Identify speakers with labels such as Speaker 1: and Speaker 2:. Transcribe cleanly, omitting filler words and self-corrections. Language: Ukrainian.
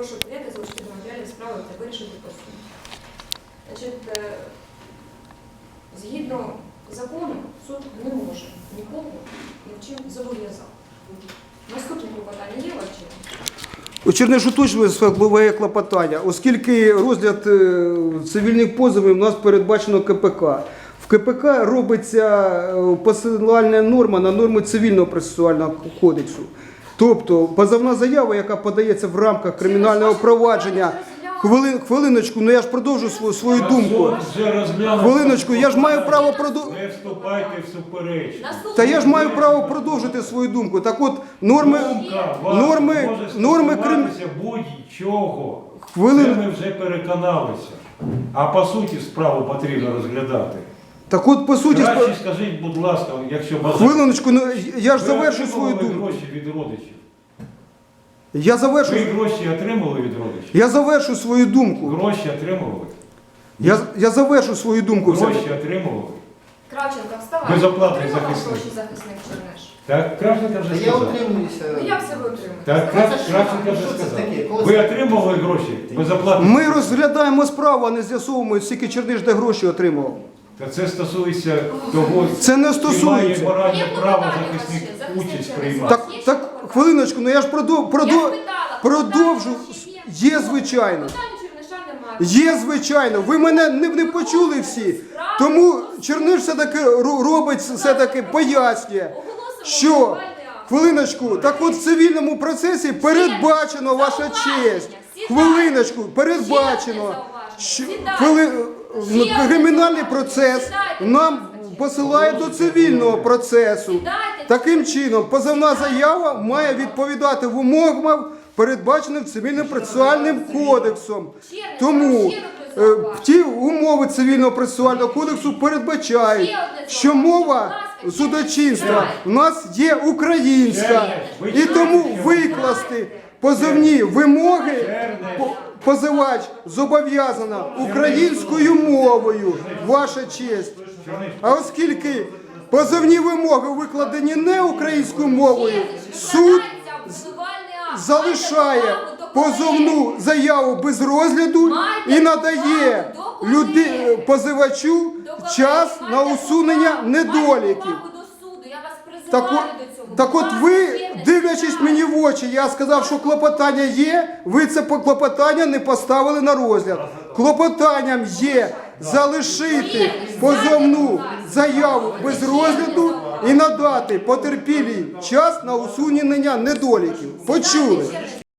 Speaker 1: прошу прийняти залишити до матеріалів справи та вирішити по суду. Значить, згідно закону, суд не може нікого ні в чим зобов'язати. Наступне клопотання є ваше?
Speaker 2: У Чернишу точно своє клопотання, оскільки розгляд цивільних позовів у нас передбачено КПК. В КПК робиться посилальна норма на норми цивільного процесуального кодексу. Тобто позовна заява, яка подається в рамках кримінального провадження, хвилиночку, ну я ж продовжу свою думку. Хвилиночку, я ж маю право продовжити.
Speaker 3: Не вступайте в суперечку.
Speaker 2: Та я ж маю право продовжити свою думку. Так от, норми
Speaker 3: стосуватися будь-чого. Це ми вже переконалися. А по суті справу потрібно розглядати.
Speaker 2: Так от, по суті...
Speaker 3: Краще скажіть, будь ласка, якщо бажаєте.
Speaker 2: Хвилиночку, ну я ж завершу свою
Speaker 3: Ви
Speaker 2: думку.
Speaker 3: гроші від родичів.
Speaker 2: Я завершу...
Speaker 3: Ви гроші отримали від родичів?
Speaker 2: Я завершу свою думку.
Speaker 3: Гроші отримували?
Speaker 2: Я завершу свою думку.
Speaker 3: Гроші отримували?
Speaker 1: Кравченко, вставай.
Speaker 3: Безоплатний
Speaker 1: Отримав
Speaker 3: захисник.
Speaker 1: гроші захисник Черниш?
Speaker 3: Так, Кравченко вже
Speaker 4: Я
Speaker 3: сказав.
Speaker 4: утримуюся.
Speaker 1: Ну як це ви отримали?
Speaker 3: Так, Кравченко вже
Speaker 4: Що це
Speaker 3: сказав.
Speaker 4: таке? Коли
Speaker 3: Ви
Speaker 4: це-
Speaker 3: отримували гроші безоплатно?
Speaker 2: Ми розглядаємо справу, а не з'ясовуємо, скільки Черниш де гроші отримав.
Speaker 3: Та це стосується того,
Speaker 2: Це не
Speaker 3: чи
Speaker 2: стосується.
Speaker 3: має моральне
Speaker 1: Є
Speaker 3: право
Speaker 1: клопотання
Speaker 3: захисник
Speaker 1: ваше, захисник
Speaker 3: участь
Speaker 1: через
Speaker 3: приймати.
Speaker 1: вас.
Speaker 2: Так, хвилиночку, ну я ж продовжу. Є, звичайно.
Speaker 1: Питання Черниша немає.
Speaker 2: Є, звичайно. Ви мене не почули всі. Тому Черниш все-таки робить, все-таки пояснює, що, хвилиночку, так от в цивільному процесі передбачено, ваша честь. Хвилиночку, передбачено, що кримінальний процес нам посилає до цивільного процесу. Таким чином, позовна заява має відповідати вимогам, передбаченим Цивільним процесуальним кодексом. Тому ті умови Цивільного процесуального кодексу передбачають, що мова судочинства у нас є українська. І тому викласти позовні вимоги позивач зобов'язана українською мовою, ваша честь. А оскільки позовні вимоги викладені не українською мовою, суд залишає позовну заяву без розгляду і надає позивачу час на усунення недоліків. Так от ви, дивлячись мені в очі, я сказав, що клопотання є, ви це клопотання не поставили на розгляд. Клопотанням є залишити позовну заяву без розгляду і надати потерпілій час на усунення недоліків. Почули?